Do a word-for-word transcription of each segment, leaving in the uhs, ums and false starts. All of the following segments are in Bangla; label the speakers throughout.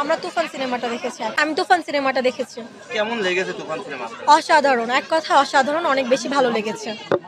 Speaker 1: আমরা তুফান সিনেমাটা দেখেছি। আমি তুফান সিনেমাটা দেখেছি।
Speaker 2: কেমন লেগেছে তুফান সিনেমা?
Speaker 1: অসাধারণ, এক কথা অসাধারণ, অনেক বেশি ভালো লেগেছে।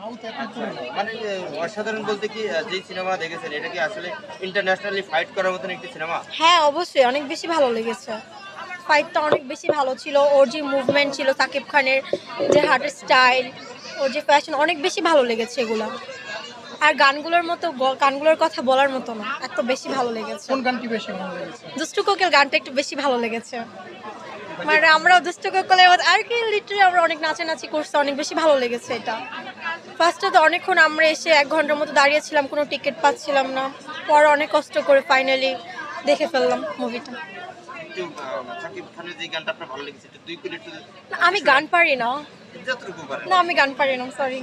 Speaker 2: মানে এ, অসাধারণ বলতে কি আহ, যে সিনেমা দেখেছেন এটা কি আসলে ইন্টারন্যাশনালি ফাইট করার মতন একটি সিনেমা?
Speaker 1: হ্যাঁ অবশ্যই, অনেক বেশি ভালো লেগেছে। ফাইটটা অনেক বেশি ভালো ছিল, ওর যে মুভমেন্ট ছিল, সাকিব খানের যে হার্টের স্টাইল, ওর যে ফ্যাশন, অনেক বেশি ভালো লেগেছে এগুলো। আর গানগুলোর মতো গ- গানগুলোর কথা বলার মতো না, এত বেশি ভালো লেগেছে।
Speaker 3: কোন গানটি বেশি ভালো লেগেছে?
Speaker 1: দুষ্টু কোকিল গানটা একটু বেশি ভালো লেগেছে। মানে আমরা দুষ্টু কোকিলের মধ্যে আর কি লিটারি আমরা অনেক নাচানাচি করছি, অনেক বেশি ভালো লেগেছে এটা। ফার্স্টে তো অনেকক্ষণ আমরা এসে এক ঘন্টার মতো দাঁড়িয়েছিলাম, কোনো টিকিট পাচ্ছিলাম না। পরে অনেক কষ্ট করে ফাইনালি দেখে ফেললাম মুভিটা।
Speaker 2: একটু আহ, সাকিব খানের যে গানটা আপনার ভালো লেগেছে একটু দুই মিনিট
Speaker 1: আমি গান পারি না,
Speaker 2: যতটুকু পারেন।
Speaker 1: না আমি গান পারি না, সরি।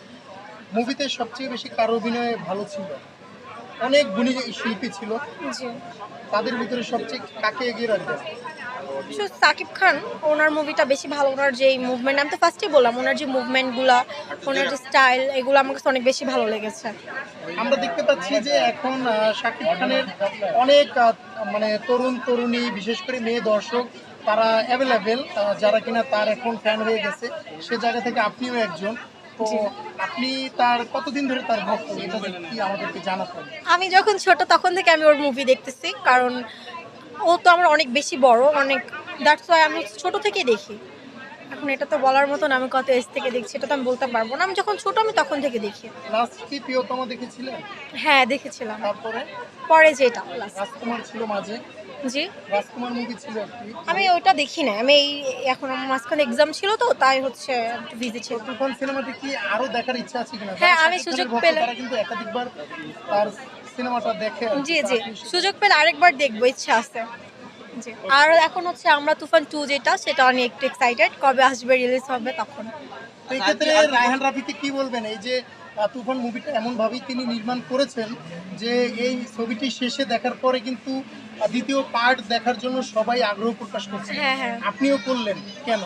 Speaker 3: মুভিতে সবচেয়ে বেশি কার অভিনয় ভালো ছিল? অনেক গুণী শিল্পী ছিল,
Speaker 1: জি,
Speaker 3: তাদের ভিতরে সবচেয়ে কাকে এগিয়ে রাখবেন?
Speaker 1: শুধু সাকিব খান, ওনার মুভিটা বেশি ভালো। ওনার যে মুভমেন্ট, আমি তো ফার্স্টেই বললাম, ওনার যে মুভমেন্টগুলো, ওনার যে স্টাইল, এগুলো আমার কাছে অনেক বেশি ভালো লেগেছে।
Speaker 3: আমরা দেখতে পাচ্ছি যে এখন আহ, শাকিব খানের অনেক আহ, মানে তরুণ তরুণী, বিশেষ করে মেয়ে দর্শক, তারা অ্যাভেলেবেল, যারা কিনা তার এখন ফ্যান হয়ে গেছে। সে জায়গা থেকে আপনিও একজন। তো আপনি তার কতদিন ধরে তার ভক্ত, এটা কি আমাদেরকে জানাতেন?
Speaker 1: আমি যখন ছোট তখন থেকে আমি ওর মুভি দেখতেছি, কারণ ও তো আমার অনেক বেশি বড়, অনেক, দ্যাটস ওয়াই আমি ছোট থেকেই দেখি। এখন এটা তো বলার মতন আমি কত এজ থেকে দেখছি এটা তো আমি বলতে পারবো না। আমি যখন ছোট আমি তখন থেকে দেখি।
Speaker 3: লাস্ট কি প্রিয়তম দেখেছিলেন?
Speaker 1: হ্যাঁ দেখেছিলাম।
Speaker 3: তারপরে
Speaker 1: পরে যেটা last।
Speaker 3: রাজকুমার ছিল মাঝে,
Speaker 1: জি,
Speaker 3: রাজকুমার মুভি ছিল একটি।
Speaker 1: আমি ওইটা দেখি না, আমি এই এখন আমার মাঝখানে এক্সাম ছিল তো, তাই হচ্ছে একটু বিজি ছিল।
Speaker 3: তুফান সিনেমাটি কি আরো দেখার ইচ্ছা আছে কিনা?
Speaker 1: হ্যাঁ,
Speaker 3: যারা
Speaker 1: আমি
Speaker 3: শাকিব
Speaker 1: সুযোগ
Speaker 3: খানের ভক্ত,
Speaker 1: পেলে-
Speaker 3: তারা কিন্তু একাধিকবার তার সিনেমাটা দেখে।
Speaker 1: জি জি, সুযোগ পেলে আরেকবার দেখবো, ইচ্ছা আছে। জি, আর এখন হচ্ছে আমরা তুফান টু যেটা, সেটা আমি একটু এক্সাইটেড, কবে আসবে, রিলিজ হবে তখন।
Speaker 3: তো এই ক্ষেত্রে রায়হান রাফিকে কি বলবেন? এই যে আহ, তুফান মুভিটা এমন ভাবেই তিনি নির্মাণ করেছেন যে এই ছবিটি শেষে দেখার পরে কিন্তু আহ, দ্বিতীয় পার্ট দেখার জন্য সবাই আগ্রহ প্রকাশ করছে।
Speaker 1: হ্যাঁ হ্যাঁ,
Speaker 3: আপনিও করলেন কেন?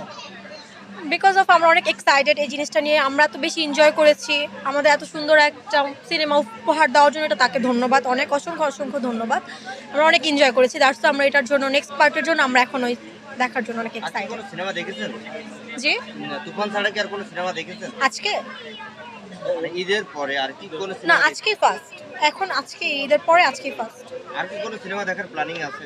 Speaker 1: বিকজ অফ আমরা অনেক এক্সাইটেড এই জিনিসটা নিয়ে, আমরা তো বেশি এনজয় করেছি। আমাদের এত সুন্দর একটা সিনেমা উপহার দেওয়ার জন্য এটা তাকে ধন্যবাদ, অনেক অসংখ্য অসংখ্য ধন্যবাদ। আমরা অনেক এনজয় করেছি, দ্যাটস আমরা এটার জন্য নেক্সট পার্টের জন্য আমরা এখন ওই দেখার জন্য অনেক
Speaker 2: আর কি
Speaker 1: এক্সাইটেড।
Speaker 2: কোনো সিনেমা দেখেছেন?
Speaker 1: জি,
Speaker 2: না, তুফান ছাড়া কি আর কোনো সিনেমা দেখেছেন?
Speaker 1: আজকে
Speaker 2: মানে ঈদের পরে আর কি কোনো
Speaker 1: না,
Speaker 2: সিনেমা?
Speaker 1: আজকেই ফার্স্ট, এখন আজকে ঈদের পরে আজকেই ফার্স্ট।
Speaker 2: আর কি কোনো সিনেমা দেখার প্ল্যানিং আছে?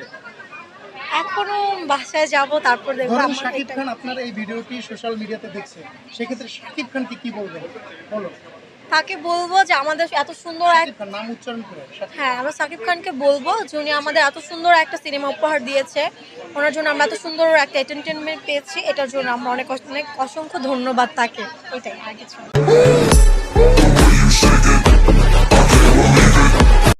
Speaker 1: এখনো বাসায় যাব, তারপর দেখবো।
Speaker 3: ধরুন
Speaker 1: আমার
Speaker 3: শাকিব
Speaker 1: এটা-
Speaker 3: খান আপনার এই ভিডিওটি সোশ্যাল মিডিয়াতে দেখছে, সেক্ষেত্রে শাকিব খানকে কি বলবেন? বলো।
Speaker 1: তাকে বলবো যে আমাদের এত সুন্দর এক,
Speaker 3: শাকিব খান নাম উচ্চারণ করে শাকিব।
Speaker 1: হ্যাঁ আমরা সাকিব খানকে বলবো যে উনি আমাদের এত সুন্দর একটা সিনেমা উপহার দিয়েছে, ওনার জন্য আমরা এত সুন্দর একটা এন্টারটেনমেন্ট পেয়েছি, এটার জন্য আমরা অনেক অনেক অসংখ্য ধন্যবাদ তাকে। এটাই, আর কিছু না।